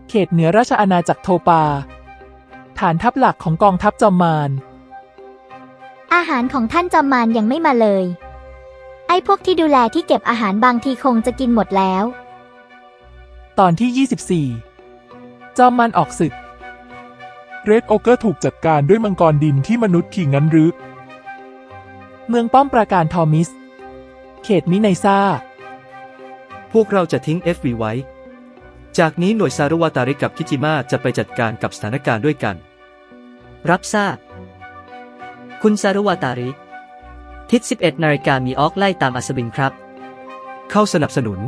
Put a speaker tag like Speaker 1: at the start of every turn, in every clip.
Speaker 1: เขตเหนือราชอาณาจักรโทปาฐานทัพหลักของกองทัพจอมมาร
Speaker 2: อาหารของท่านจอมมารยังไม่มาเลย ไอ้พวกที่ดูแลที่เก็บอาหารบางทีคงจะกินหมดแล้ว
Speaker 1: ตอนที่ 24 จอมมารออกศึก เรดโอเกอร์ถูกจัดการด้วยมังกรดินที่มนุษย์ขี่งั้นหรือเมืองป้อมปราการทอมิส เขตมิไนซ่า
Speaker 3: พวกเราจะทิ้ง FV ไว้ จากนี้หน่วยซารุวาตาริกับคิจิมะจะไปจัดการกับสถานการณ์ด้วยกัน
Speaker 4: รับทราบ คุณซารุวาตาริ ทิศ 11 นาฬิกามีออกไล่ตามอัศวินครับ
Speaker 3: เข้าสนับสนุน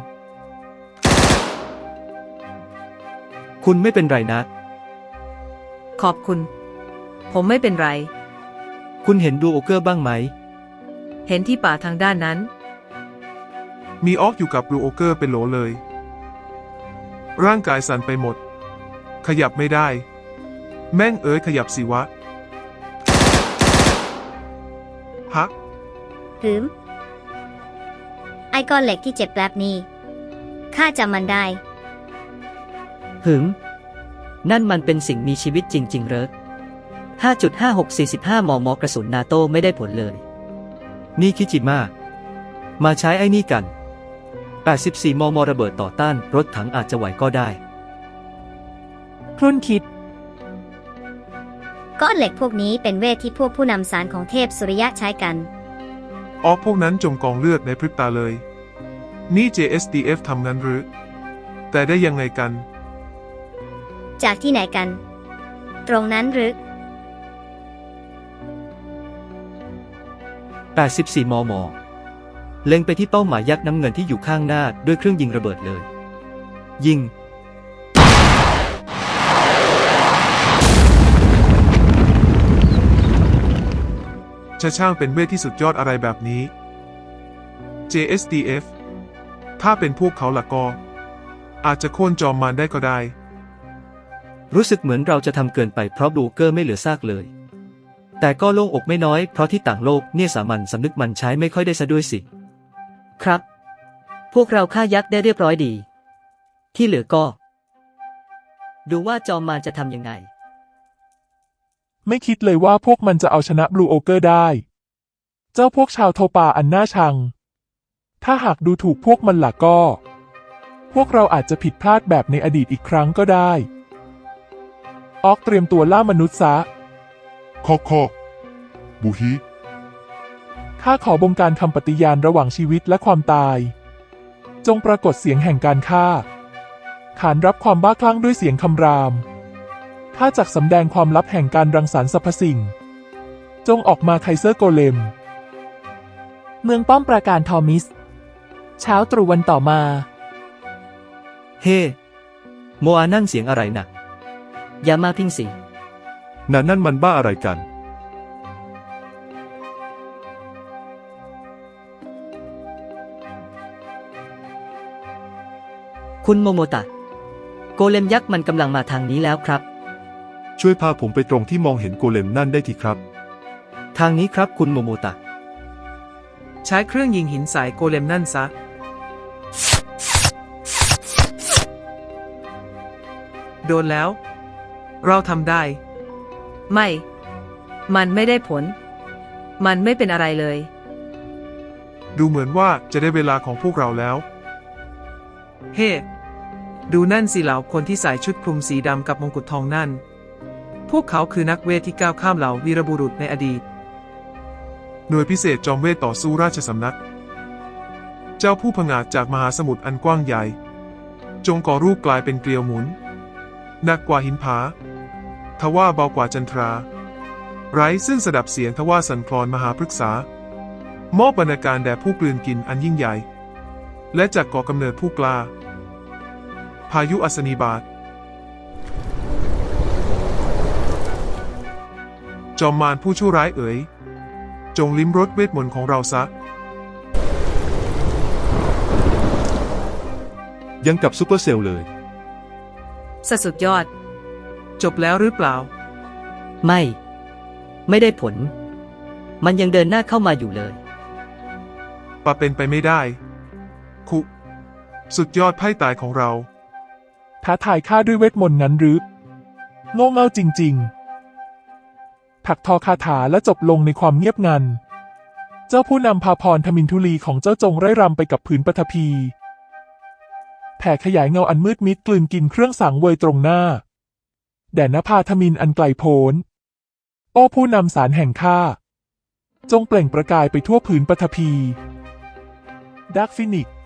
Speaker 3: คุณไม่เป็นไรนะ
Speaker 5: ขอบคุณ ผมไม่เป็นไร
Speaker 3: คุณเห็นดูโอเกอร์บ้างไหม
Speaker 5: เห็นที่ป่าทางด้านนั้น
Speaker 6: มีออกอยู่กับบลูโอเกอร์เป็นโหลเลย ร่างกายสั่นไปหมด ขยับไม่ได้ แม่งขยับสิวะฮัก
Speaker 7: หืม ไอ้ก้อนเหล็กที่เจ็บแป๊บนี้ข้าจำมันได้
Speaker 4: หึง นั่นมันเป็นสิ่งมีชีวิตจริงๆเหรอ 5.5645 มม.กระสุนนาโต้ไม่ได้ผลเลย
Speaker 3: นี่คิจิมะมาใช้ไอ้นี่กัน 84 มม. ระเบิดต่อต้านรถถังอาจจะไหวก็ได้
Speaker 1: ครุ่นคิด
Speaker 7: ก้อนเหล็กพวกนี้เป็นเวทที่พวกผู้นำสารของเทพสุริยะใช้กัน
Speaker 6: ออกพวกนั้นจมกองเลือดในพริบตาเลย นี่ JSDF ทำงั้นหรือ แต่ได้ยังไงกัน
Speaker 7: จากที่ไหนกัน ตรงนั้นหรือ
Speaker 3: 84 มม. เล็งไปที่เป้าหมายยักษ์น้ำเงินที่อยู่ข้างหน้าด้วยเครื่องยิงระเบิดเลย ยิง
Speaker 6: ช่างเป็นเวทที่สุดยอดอะไรแบบนี้ JSDF ถ้าเป็นพวกเขาล่ะก็ อาจจะโค่นจอมมารได้ก็ได้
Speaker 3: รู้สึกเหมือนเราจะทำเกินไปเพราะบลูเกอร์ไม่เหลือซากเลย แต่ก็โล่งอกไม่น้อยเพราะที่ต่างโลกเนี่ยสามัญสำนึกมันใช้ไม่ค่อยได้ซะด้วยสิ
Speaker 4: ครับ พวกเราฆ่ายักษ์ได้เรียบร้อยดี ที่เหลือก็ ดูว่าจอมมารจะทำยังไง
Speaker 1: ไม่คิดเลยว่าพวกมันจะเอาชนะบลูโอเกอร์ได้ เจ้าพวกชาวโทปาอันน่าชัง ถ้าหากดูถูกพวกมันล่ะก็ พวกเราอาจจะผิดพลาดแบบในอดีตอีกครั้งก็ได้ ออกเตรียมตัวล่ามนุษย์ซะ
Speaker 6: คอกบูฮิ
Speaker 1: ข้าขอบงการคำปฏิญาณระหว่างชีวิตและความตาย จงปรากฏเสียงแห่งการฆ่า ขานรับความบ้าคลั่งด้วยเสียงคำรามข้าจักสำแดงความลับแห่งการรังสรรค์สรรพสิ่ง จงออกมาไคเซอร์โกเลม เมืองป้อมปราการทอมิส เช้าตรู่วันต่อมา
Speaker 3: เฮ้ โมอานั่นเสียงอะไรนะ
Speaker 4: อย่ามาพิงสิ
Speaker 6: นั่นมันบ้าอะไรกัน
Speaker 4: คุณโมโมตะ โกเลมยักษ์มันกำลังมาทางนี้แล้วครับ
Speaker 6: ช่วยพาผมไปตรงที่มองเห็นโกเลมนั่นได้ทีครับ
Speaker 3: ทางนี้ครับคุณโมโมตะ
Speaker 8: ใช้เครื่องยิงหินใส่โกเลมนั่นซะ โดนแล้ว เราทำได้
Speaker 5: ไม่ มันไม่ได้ผล มันไม่เป็นอะไรเลย
Speaker 6: ดูเหมือนว่าจะได้เวลาของพวกเราแล้ว
Speaker 8: เฮ้ ดูนั่นสิเหล่าคนที่ใส่ชุดคลุมสีดำกับมงกุฎทองนั่น พวกเขาคือนักเวทที่ก้าวข้ามเหล่าวีรบุรุษในอดีต
Speaker 6: หน่วยพิเศษจอมเวทต่อสู้ราชสำนัก เจ้าผู้ผงาดจากมหาสมุทรอันกว้างใหญ่ จงก่อรูปกลายเป็นเกลียวหมุน หนักกว่าหินผา ทว่าเบากว่าจันทรา ไร้ซึ่งสดับเสียงทว่าสั่นคลอนมหาพฤกษามอบบรรณาการแด่ผู้กลืนกินอันยิ่งใหญ่ และจากก่อกำเนิดผู้กล้า พายุอัศนีบาต จอมมารผู้ชั่วร้ายจงลิ้มรสเวทมนต์ของเราซะ
Speaker 9: ยังกับซูเปอร์เซลล์เลย
Speaker 5: สุดยอด
Speaker 8: จบแล้วหรือเปล่า
Speaker 4: ไม่ได้ผล มันยังเดินหน้าเข้ามาอยู่เลย
Speaker 6: ปะเป็นไปไม่ได้ สุดยอดไพ่ตายของเรา
Speaker 1: ทท้าทายข้าด้วยเวทมนต์งั้นหรือโง่เง่าจริงๆถักทอคาถาและจบลงในความเงียบงัน เจ้าผู้นำพาพรทมินทุลีของเจ้าจงไร่รำไปกับผืนปฐพีแผ่ขยายเงาอันมืดมิดกลืนกินเครื่องสังเวยตรงหน้าแด่นภาทมินอันไกลโพ้นโอ้ผู้นำสารแห่งข้าจงเปล่งประกายไปทั่วผืนปฐพีดาร์กฟินิกซ์